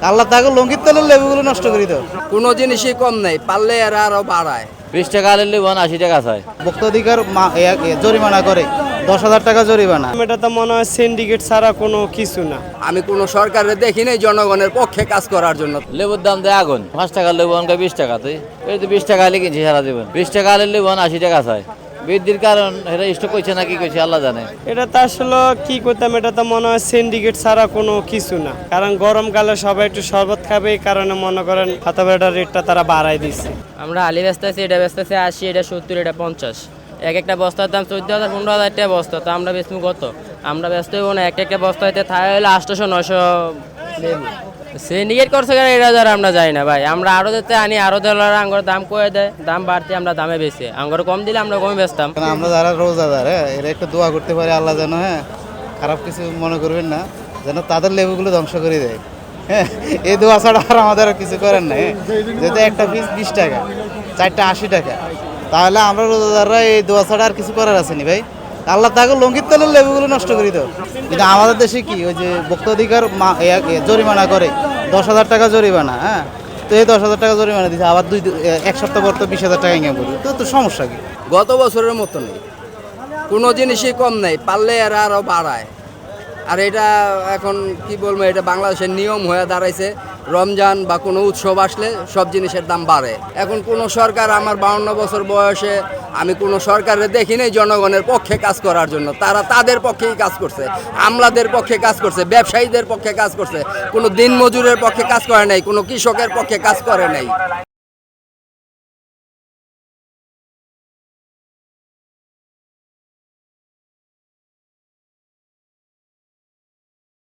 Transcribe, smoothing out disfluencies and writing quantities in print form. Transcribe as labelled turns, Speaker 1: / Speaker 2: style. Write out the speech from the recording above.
Speaker 1: আল্লাহ তাকে লঙ্কিত তেলের লেবুগুলো নষ্ট করে দাও।
Speaker 2: কোনো জিনিসই কম নেই, পারলে এরা আরো বাড়ায়।
Speaker 3: 20 টাকা আলের লিবন 80 টাকা চাই।
Speaker 1: ভোক্তাধিকার জরিমানা করে 10,000 টাকা জরিমানা।
Speaker 4: এটা তো মনে হয় সিন্ডিকেট ছাড়া কোনো কিছু না।
Speaker 2: আমি কোনো সরকারের দেখি নাই জনগণের পক্ষে কাজ করার জন্য।
Speaker 3: লেবুর দাম দেয় আগুন, 5 টাকার লেবু অনকা 20 টাকা, তুই এই তো 20 টাকা আলে কিনছি সারা জীবন। 20 টাকা আলের লিবন 80 টাকা চাই। বৃদ্ধির কারণ এটা স্টক করছে না কি করছে আল্লাহ জানে।
Speaker 4: এটা তো আসলে কি করতাম, এটা তো মনে হয় সিন্ডিকেট ছাড়া কোনো কিছু না। কারণ গরমকালে সবাই একটু শরবত খাবে, এই কারণে মনে করেন হাতাবেটার রেটটা তারা বাড়াই দিচ্ছে।
Speaker 5: আমরা আলি বেচতেছি, এটা বেচতেছি 80, এটা 70, এটা 50। এক একটা বস্তার দাম 14,000 15,000 টাকা বস্তা। তো আমরা বেচবো কত? আমরা ব্যস্ত হইব না। একটা বস্তা হইতে থাকে হলে 800-900 লেবু। সিন্ডিকেট করছে কেন এটা যারা আমরা যাই না ভাই। আমরা আরো দিতে আনি, আরো দেওয়ার আঙ্গুর দাম কয়ে দেয়, দাম বাড়তে আমরা দামে বেশি। আঙ্গুর কম দিলে আমরা কমে বেচতাম।
Speaker 1: কারণ আমরা যারা রোজাদার, এরা একটু দোয়া করতে পারে আল্লাহ যেন খারাপ কিছু মনে করবেন না, যেন তাদের লেবুগুলো ধ্বংস করে দেয়। এই দোয়া ছাড়া আর আমাদের আর কিছু করেন না। যেহেতু একটা পিস 20 টাকা, 4টা 80 টাকা, তাহলে আমরা রোজাদাররা এই দোয়া ছাড়া আর কিছু করার আছে নি ভাই। আল্লাহ তাকে লঙ্কিত তেলের লেবুগুলো নষ্ট করে দাও। কিন্তু আমাদের দেশে কি ওই যে ভোক্তাধিকার জরিমানা করে 10,000 টাকা জরিমানা। তো এই 10,000 টাকা জরিমানা দিচ্ছে, আবার এক সপ্তাহ পর তো 20,000 টাকা ইনকাম করবে। তো সমস্যা কি?
Speaker 2: গত বছরের মতো নেই, কোনো জিনিসই কম নেই, পারলে এরা আরো বাড়ায়। আর এটা এখন কি বলবো, এটা বাংলাদেশের নিয়ম হয়ে দাঁড়াইছে। রমজান বা কোনো উৎসব আসলে সব জিনিসের দাম বাড়ে। এখন কোনো সরকার, আমার 52 বছর বয়সে আমি কোনো সরকারের দেখি নাই জনগণের পক্ষে কাজ করার জন্য। তারা তাদের পক্ষেই কাজ করছে, আমলাদের পক্ষে কাজ করছে, ব্যবসায়ীদের পক্ষে কাজ করছে। কোনো দিনমজুরের পক্ষে কাজ করে নাই, কোনো কৃষকের পক্ষে কাজ করে নাই।